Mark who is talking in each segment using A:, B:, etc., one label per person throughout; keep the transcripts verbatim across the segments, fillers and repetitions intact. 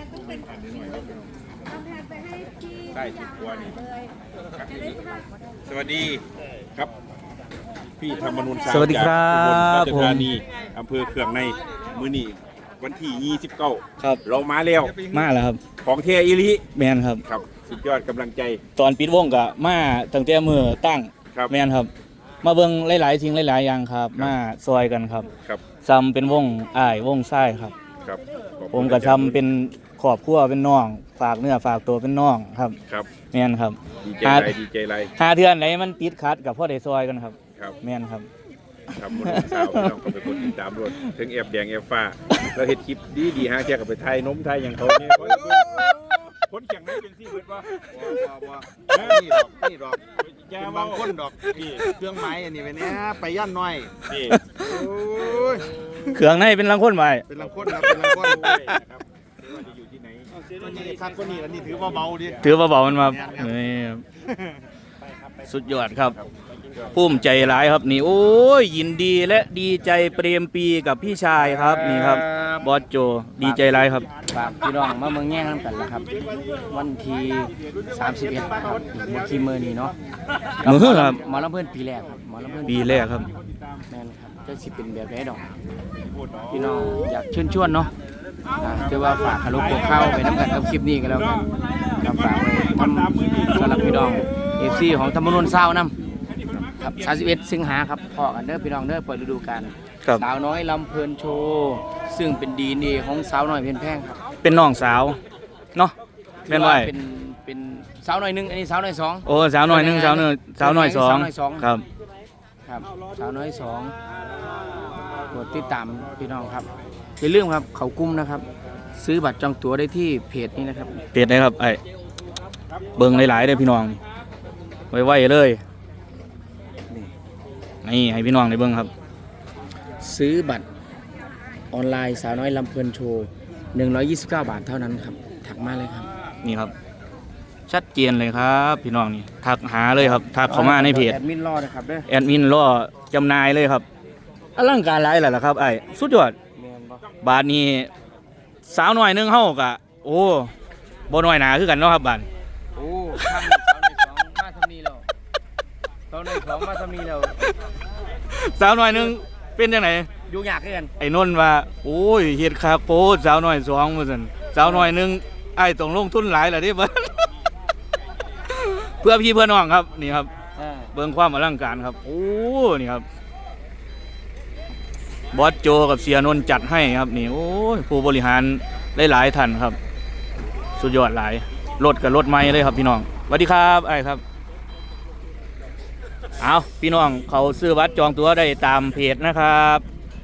A: ใต้สิบกว่านี่สวัสดีครับพี่ธรรมนุนสวัสดีครับผมราชธานีอำเภอเคืองในมื้อนี้วันที่ยี่สิบเก้า
B: ครับ
A: เรามาแล้ว
B: มาแล้วครับ
A: ของเทอิริ
B: แมนครับ
A: ครับสุดยอดกำลังใจ
B: ตอนปิดวงกะมาตั้งแต่มือตั้งแมนครับมาเบิ่งหลายๆสิ่งหลายๆอย่างครับมาซอยกันครับ
A: ครับ
B: ซ้ำเป็นวงอ้ายวงไส้ครับ
A: ครับ
B: ผมก็ทำเป็นครอบครัวเป็นน้องฝากเนื้อฝากตัวเป็นน้องครับ
A: ครับ
B: แมนครับ
A: ดีใจไรดีใจไร
B: หาเทือนไหนมันติดขัดกับพ่อได้ซอยกันครับ
A: ครับ
B: แมนครับ
A: ทำบนสาวน้องก็เป็นคนติดตามด้วยถึงแอบแดงแอบฟ้าเราเห็นคลิปดีดีฮะแค่กับไปไทยน้มไทยอย่างเขาเนี่ยคนแข่งไม่เป็นที่เบิดว่า
C: นี่ดอกนี่ดอกเป็นบางคนดอกนี่เครื่องไม้อันนี้ไปเนี้ยไปย่านน้อย
A: นี่
B: เครื่องในเป็นลังคนไป
C: เป็นลังคนครับเป็นลังคน
A: ครับจะอยู่ที่ไหน
C: ตัวนี้ครับตัวนี้อันนี้ถือว่าเบาดิ
B: ถือว่าเบามันมาสุดยอดครับภูมิใจหลายครับนี่โอ้ยยินดีและดีใจเปรมปีกับพี่ชายครับนี่ครับบอสโจดีใจหลายครับ
D: ฝากพี่น้องมาเมืองแง่งกันแล้วครับวันที่สามสิบเอ็ดครับหมดที่เมื่อนี้เนาะ
B: มือครับ
D: หมอลำเพื่อนปีแรกครับหมอลำเพื่อน
B: ปีแรกครับ
D: แม่นครับจะสิเป็นแบบไหนดอกพี่น้องอยากเชิญชวนเนาะเดี๋ยวว่าฝากคารุโกเข้าไปน้ำกันกับคลิปนี้กันแล้วกันกับฝากไว้ทำสำหรับพี่น้องเอฟซีของธรรมนุนเศร้าน้ำครับสามสิบเอ็ดสิงหาครับพอกันเด้อพี่น้องเด้อเปิดฤดูกาลสาวน้อยลำเพลินโชว์ซึ่งเป็นดีนี่ของสาวน้อยเพลินแพงครับ
B: เป็นน้องสาวเนาะแม่นว่า
D: เป็นเป็นสาวน้อยหนึ่งอันนี้สาวน้อยสอง
B: โอ้สาวน้อยหนึ่งสาวน้อยสาวน้อยสองครับ
D: ครับสาวน้อยสองกดติดตามพี่น้องครับอย่าลืมครับเขากุ้มนะครับซื้อบัตรจองตั๋วได้ที่เพจนี้นะครับ
B: เพจไหนครับไอ้เบิ่งหลายๆเลยพี่น้องไวๆเลยนี่ให้พี่น้องได้เบิ่งครับ
D: ซื้อบัตรออนไลน์สาวน้อยลำเพลินโชว์หนึ่งร้อยยี่สิบเก้าบาทเท่านั้นครับถักมาเลยครับ
B: นี่ครับชัดเจนเลยครับพี่น้องนี่ทักหาเลยครับทักเข้ามาในเพจ
D: แอดมินรอนะครับเด้อ
B: แอดมินรอจำหน่ายเลยครับอลังการหลายแหละครับไอ้สุดยอดบาทนี้สาวน้อยนึงเฮากะโอ้บ่น้อยหนาคือกันเนาะครับบาท
D: โอ้ข้างสาวน้อยสองมาทำนี้แล้วสาวน้อยสองมาทำนี้แล้ว
B: สาวน้อยนึงเป็นจังไหน
D: อยู่ยากกัน
B: ไอ้นนท์ว่าโอ้ยเฮ็ดคาโปสาวน้อยสองว่าซั่นสาวน้อยนึงไอ้ต้องลงทุนหลายล่ะเด้เบิ่เพื่อพี่เพื่อน้องครับนี่ครับเบิ่งความอลังการครับโอ้นี่ครับบอสโจกับเสียนนท์จัดให้ครับนี่โอ้ยผู้บริหารหลายๆท่านครับสุดยอดหลายรถกับรถไม้เลยครับพี่น้องสวัสดีครับไอ้ครับเอาพี่น้องเขาซื้อบัตรจองตั๋วได้ตามเพจนะครับ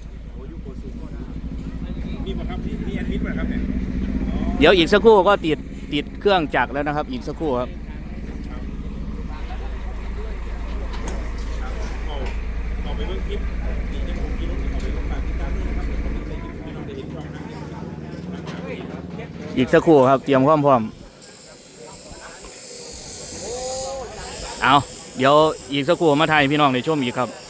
B: เดี๋ยวอีกสักครู่ก็ติดติดเครื่องจักรแล้วนะครับอีกสักครู่ครับอีกสักครู่ครับเตรียมความพร้อมเอาเดี๋ยวอีกสักครู่มาถ่ายพี่น้องในช่วงอีกครับ